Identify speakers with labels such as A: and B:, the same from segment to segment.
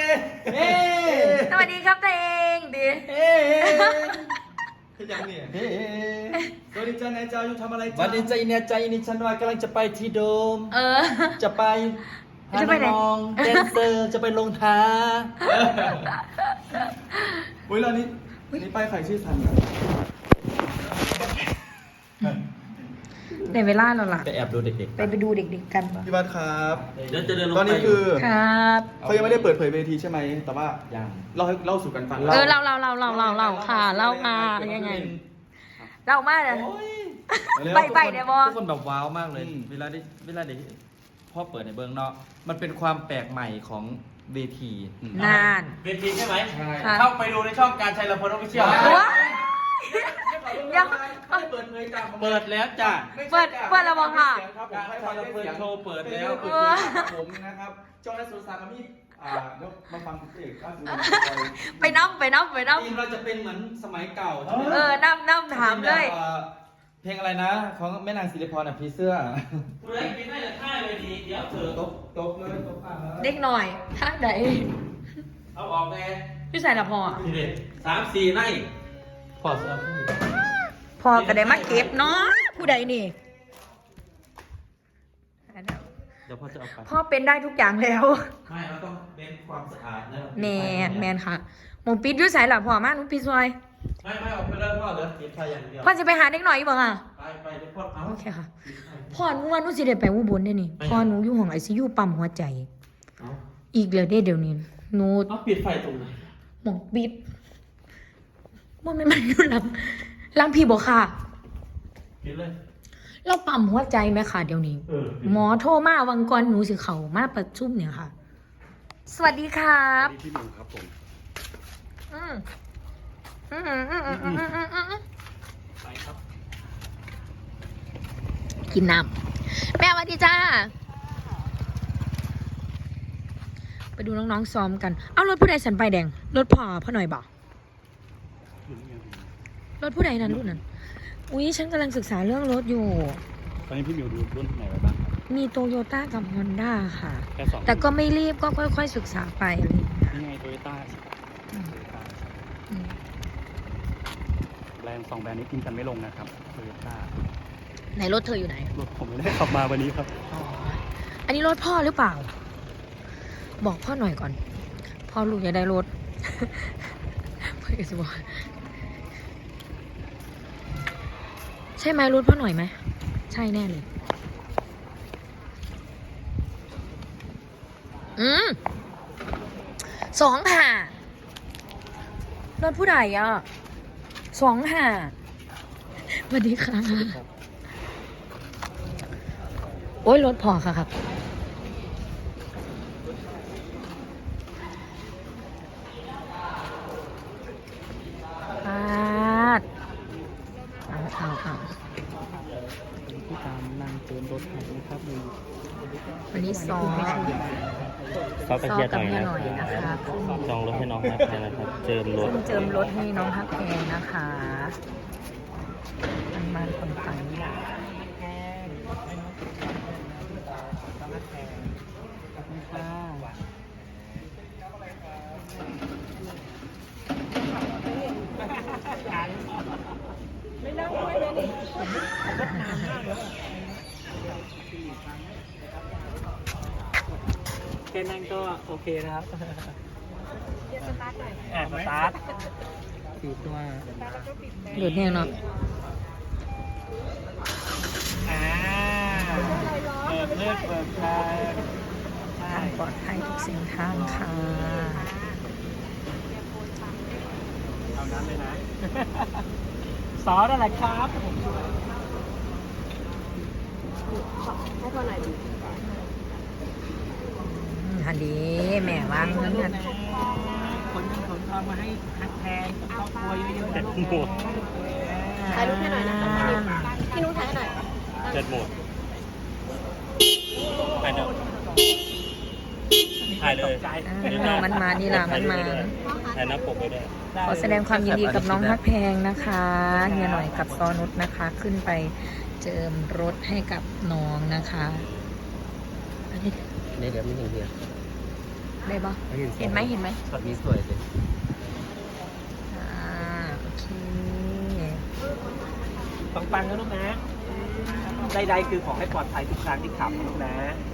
A: สวัสดีครับตัวเองดิ
B: คือยังเนี่ยสวัสดีจ้านายเจ้าอยู่ทำอะไร
C: วันนี้ใจเนี่ยใจนี่ฉันว่ากำลังจะไปที่โดม จะไปหาน้องแดนเซอร์จะไปลงท้า
B: อุ้ยเรานี่ไปใครชื่อทันกัน
A: ในเวลาเราล่ะ
C: ไปแอบดูเด็กๆ
A: ไปดูเด็กๆกัน
B: พี่บัสครับ
C: เดี๋ยวจะเดินลง
B: ตอนนี้คือ
A: ครับ
B: เขายังไม่ได้เปิดเผยเวทีใช่ไหมแต่ว่า
C: ยัง
B: เล่าสู่กันฟัง
A: เราค่ะเล่ามายังไงเล่ามาเลยไปเดี๋ยวบอ
C: ทุกคนแบบว้าวมากเลย เวลาได้พ่อเปิดในเบื้องนอกมันเป็นความแปลกใหม่ของเวที
A: นาน
C: เวทีใช่ไหม
A: ค่ะ
C: เข้าไปดูในช่องการชัยลำพลออฟฟิเชียล
A: ว้ายยัง
B: เปิดเผยจ้า
C: เปิดแล้วจ้ะ
A: เปิดแล้วบอกค่ะ
B: การให้ฟังเสียง
C: โชว์เปิดแล้ว
B: ผมนะครับเจ้าหน้าที่สุสานมีมาฟังเอกล่าสุด
A: ไปน้ำ
C: ทีมเราจะเป็นเหมือนสมัยเก่าใช่ไหม
A: น้ำถามเลย
C: เพลงอะไรนะของแม่นางศิริพรผีเสื้อ
D: ผู้ใดกินได้แต่ท่าเลยดีเดี๋ยวเถอะ
B: ตบเลยตบผ่านแล้ว
A: เด็กหน่อยท่าไหน
D: เอาออกแน่
A: พี่ใส่ละพอ
D: ทีเด็ด3-4 ใน
C: พอสเอา
A: พอก็ได้มาเก็บเนาะผู้ใดนี่
C: เดี๋ยวพ่อจะเอาไป
A: พ่อเป็นได้ทุกอย่างแล้ว
D: ไม่เราต้องเน้นความสะอาดนะ
A: แมนค่ะหมงปิดอยุ่ใส่ละพอมาหนูปิดซอย
D: ไม่ออกไปเลยพ่อเหลือเก็บไฟอย่างเดียว
A: พ่อจะไปหาเด็กหน่อยอีกบ่ค่ะ
D: ไปเดี๋ยวพ่อเอา
A: โอเคค่ะ พ่อหนูว่าหนูสิได้ไปอุบลได้นี่พ่อหนูอยู่ห้องไอซียูปั๊มหัวใจ
D: เอา
A: อีกเลยเดี๋ยวนี้หนู
D: เอาปิดไฟตรงไหน
A: หมองปิดว่าไม่มันอยู่หลังพี่บอกค่ะ
D: ปิดเลย
A: เราปั๊มหัวใจไหมค่ะเดี๋ยวนี้ หมอโทรมาวังกรหนูสิเขามาประชุมเนี่ยค่ะ สวัสดีครับ
B: พี่หนึ่งครับผม
A: อืม
D: ไปครับ
A: กินน้ำแม่สวัสดีจ้า ไปดูน้องๆซ้อมกัน เอารถผู้ใดสันไปแดง รถพ่อหน่อยบอกรถผู้ใดนั้นรุ่นนั้น อุ๊ยฉันกำลังศึกษาเรื่องรถอยู่
E: ตอนนี้พี่มิวดูรุ่นไหนไว้บ้างครับ
A: มีโตโยต้ากับฮอนด้าค่ะ
E: แค่สอง
A: แต่ก็ไม่รีบก็ค่อยๆศึกษาไปอะไรอย่างเงี้ย
E: นี่ไงโตโยต้า
A: อืมอืม
E: แบรนด์2 แบรนด์นี้กินกันไม่ลงนะครับโตโยต้า
A: ไหนรถเธออยู่ไหน
E: รถผมไม่ได้ขับมาวันนี้ครับ
A: อ๋อ อันนี้รถพ่อหรือเปล่า บอกพ่อหน่อยก่อน พ่อลูกอย่าได้รถ พ่อจะบอกใช่ไหมรถพ่อหน่อยไหม ใช่แน่เลย 25รถผู้ใดอ่ะ25สวัสดีค่ะ โอ้ยรถพอค่ะครับเอา
E: ที่ตามนางเติมรถนะครับ
A: วันนี้ซ้อม
F: เขาไป
A: ซ้อ
F: เชีย
A: ม
F: ร์
A: กับ
F: หน่อย
A: เมีย
F: นะ
A: หน่อยนะคะ
F: จองรถให้น้องฮักแพงนะครับ เจิมรถ
A: เจิมรถให้น้องฮักแพงนะคะมันคนฟังนี่แหละ
E: แค่นั้นก็โอเคนะครับสตาร์ทสี่ตัว
A: หลุดเนี่ยเนาะ
E: เปิดไฟ
A: ทางปลอดภัยทุกเส้นทางค่ะ
E: เอานั้นเลยนะซอสอะไรครับ
A: ฮันดีแม่วางเงินกัน
E: คนเงินขนทองมาให้ฮักแพงครอบครัวเยอะๆนะหมด
G: ถ่ายรูปให้หน่อยนะคะพี่นุ้งถ่ายให้หน่อย
F: เจ็ดหมดไปเถอะถ่ายเลย
A: มันมานี่ล่ะมันมา
F: ถ่ายหน้าปกไว้ด้วย
A: ขอแสดงความยินดีกับน้องฮักแพงนะคะเฮียหน่อยกับซอนุชนะคะ ขึ้นไปเจิมรถให้กับน้องนะคะอันนี้
F: นี่เดี๋ยวไม่ถึงเดียว
A: ฮได้ปะเห็นไหมเห็นไหม
C: ช็อตนี้สวยเลย
A: โอเค
E: ปังๆนะลูกนะใดๆคือขอให้ปลอดภัยทุกครั้งที่ขับนะลูกนะ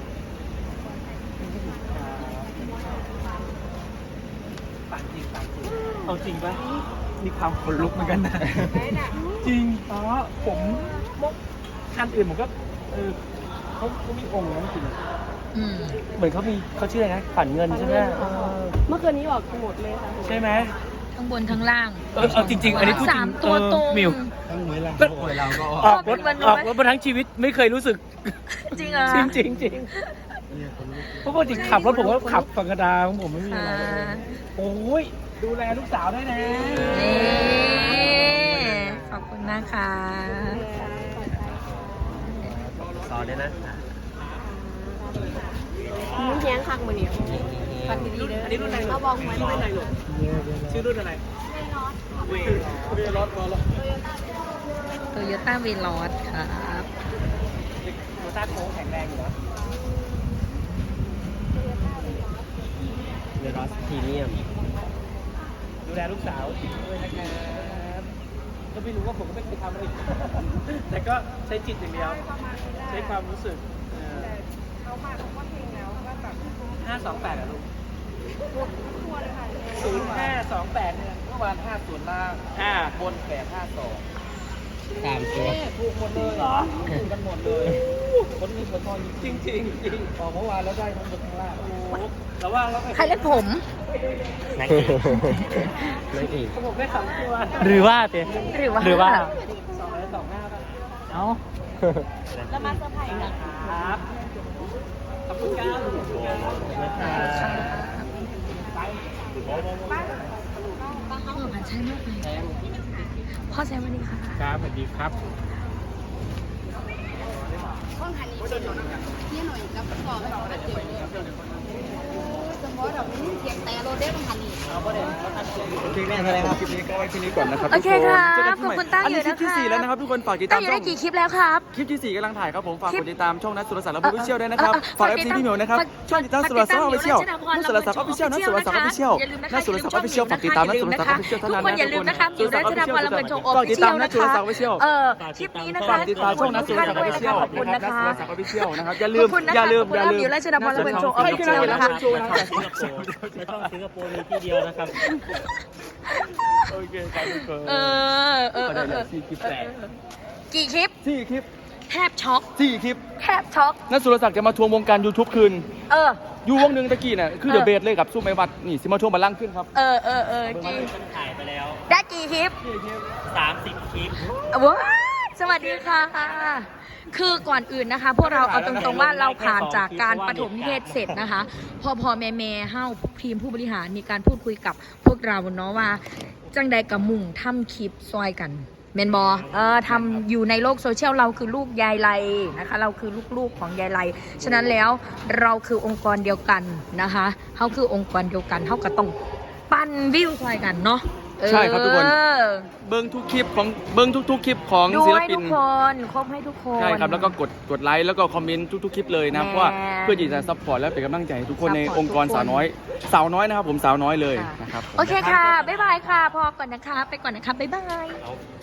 E: ปังจริงปังจริงเอาจริงปะมีความขนลุกเหมือนกันนะจริงเพราะผมคันอื่นผมก็เขามีองค์นะจริง เหมือนเขาชื่ออะไรนะขวัญเงินใช่ไหม
G: เมื่อคืนนี้ออกหมดเลยค่ะ
E: ใช่ไหม
A: ทั้งบนทั้งล่าง
E: เอาจริงๆอันนี้พูดจริง
A: 3 ตัวตรง
E: มิว
C: ทั้งหวยเราหวยเราก็ออก
E: ออกรถมาทั้งชีวิตไม่เคยรู้สึก
A: จริงเหรอ
E: จริงเพราะปกติขับรถผมก็ขับธรรมดาของผมไม่มีอะไรโอ้ยดูแลลูกสาวได้นะ
A: ขอบคุณนะคะ
C: สอนเลยนะ
G: มึงแย้งคักมือเนี่ยฟังดีๆเลย
E: อันนี้รุ่นอะไร
G: เอาบอกหวยหน่อย
E: ชื่อรุ่นอะไรเวรถมาแล้ว
A: โตโยต้าเวลอสครับ
E: โตต้าโค้งแข็งแรงอยู่นะ
C: เดรอสพรีเมียม
E: ดูแลลูกสาวด้วยนะครับก็ไม่รู้ว่าผมก็ไม่เคยทำอะไรแต่ก็ใช้จิตอย่างเดียวใช้ความรู้สึก528อะลูก0528เนี่ยเมื่อวาน50ล่างบน852
C: ตามตัว
E: ถูกหมดเลยเหรอถูกกันหมดเลยคนมีคนทองจริงจริงออกเมื่อวานแล้วได้ทั้งบนทั้งล่างแต่ว่าเรา
A: ใครเล่นผม
C: นักเอกนักเอก
E: ผมได้3ตัว
C: หรือว่าเต้
A: หรือว่า
E: 2แล้ว2หน้าป่ะเอ้า
G: แล้วมาเซอร์ไพรส์กัน
E: ครับขอบคุณครับขอบคุณครับ
A: ผ่านใช่มากเลยพ่อแซมวันนี้ค่ะ
E: ครับสวัสดีครับ
G: ห้องหันนี้ที่หน่อยแล้วก็บอกให้เราได้เจอสมมติเราไม่เสียงแต่โรเดอร์หันนี้
B: โอเคแม่แสดงครับคลิปนี้ก็ไว้ที่นี้ก่อนนะครับ
A: โอเคครับ
B: ทุกน
A: ขอบคุณตั้ง
B: อัน
A: อยู่
B: นี้คลิ
A: นะ
B: ป
A: คะ
B: ที่4แล้วนะครับทุกคนฝากติด
A: ตั้
B: ตาง ม
A: อยู่
B: ช่
A: ได้
B: อง
A: กี่คลิปแล้วครับ
B: คลิปที่4กำลังถ่ายครับผมฝาก
A: คลิ
B: กก ดดติดตามช่องนัทสุรศักดิ์และผู้วิเชียวด้วยนะครับ
A: ฝา
B: ฝาก ก
A: ติ
B: FC
A: ดตาม
B: พี่เหมียวนะครับ ช่องติดตามสุรศักดิ์ออฟฟิเชียลนัทสุรศักดิ์ออฟฟิเชียลนัทสุรศักดิ์ออฟฟิเชียลนัทสุรศักดิ์ออฟฟิเชียลฝากติดตามนัทสุรศักดิ์ออฟฟิเชียล
A: ทุ
B: เท่าก นั้น
A: คนอย่าลืมนะคะมิวรัชดาพรลำเบินโชว์ออฟ
B: ฝาก
A: ฟิ
B: ติด
A: เชี
B: ตาย ม
A: ล
B: นัท
A: นะ
B: สุร
A: คะ
B: ศักดิ์ออฟฟิเชียล
A: คลิปนี้นะ
B: ฝา
A: คะ
B: กติดตามช่องนัทสุรศักดิ์ออฟฟิเชียล
A: ขอบคุณนะคะ
B: นัทสุรศักดิ์ออฟฟิเชียลนะครับอย่าลื
A: ข
B: ม
A: อบคุณนะ
B: อย่า
A: คะ
B: ลืม
A: ขอบคุณมิวรัชดาพรลำเบินโชว์ออฟฟิเชียลนะคะ
F: ในช่องสิงคโปร์มีที่เดียวนะครับ
B: โอเคครับทุกคน
A: กี่คลิป
B: 4 คลิป
A: แทบช็อก
B: 4 คลิป
A: แทบช็อก
B: นัทสุรศักดิ์จะมาทวงวงการ YouTube คืน
A: เออ
B: อยู่วงหนึ่งตะกี้น่ะคือเดอะเบสเลยกับสู้ไม่วัดนี่สิมาทวงบัลลังก์ขึ้นครับ
A: จริง
F: ถ่ายไปแล้ว
A: ได้กี่คลิป
F: 30 คลิป
A: ว้าสวัสดีค่ะ คือก่อนอื่นนะคะ พวกเราเอาตรงๆว่าเราผ่านจากการปฐมนิเทศเสร็จนะคะ พอแม่เฮ้าทีมผู้บริหารมีการพูดคุยกับพวกเราเนาะว่า จังใดกับมุ่งทำคลิปซอยกันเมนบอทำอยู่ในโลกโซเชียลเราคือลูกยายไลนะคะ เราคือลูกๆของยายไลฉะนั้นแล้วเราคือองค์กรเดียวกันนะคะเขาคือองค์กรเดียวกันเขาก็ต้องปั้นวิวซอยกันเนาะ
B: ใช่ครับทุกคน เบิ้งทุกคลิปของเบิ้งทุกๆคลิปของ
A: ดู
B: ศิล
A: ให้
B: ปิ
A: ทุ
B: น
A: กคนครบให้ทุกคน
B: ใช่ครับแล้วก็กดไลค์แล้วก็คอมเมนต์ทุกๆคลิปเลยนะเพราะว่าเพื่อที่จะซัพพอร์ตและเป็นกำลังใจให้ทุกคนในองค์กรสาวน้อยนะครับผมสาวน้อยเลยนะครับ
A: โอเคค่ะ บ๊ายบายค่ะ พอก่อนนะคะ ไปก่อนนะคะ บ๊ายบาย
F: เอา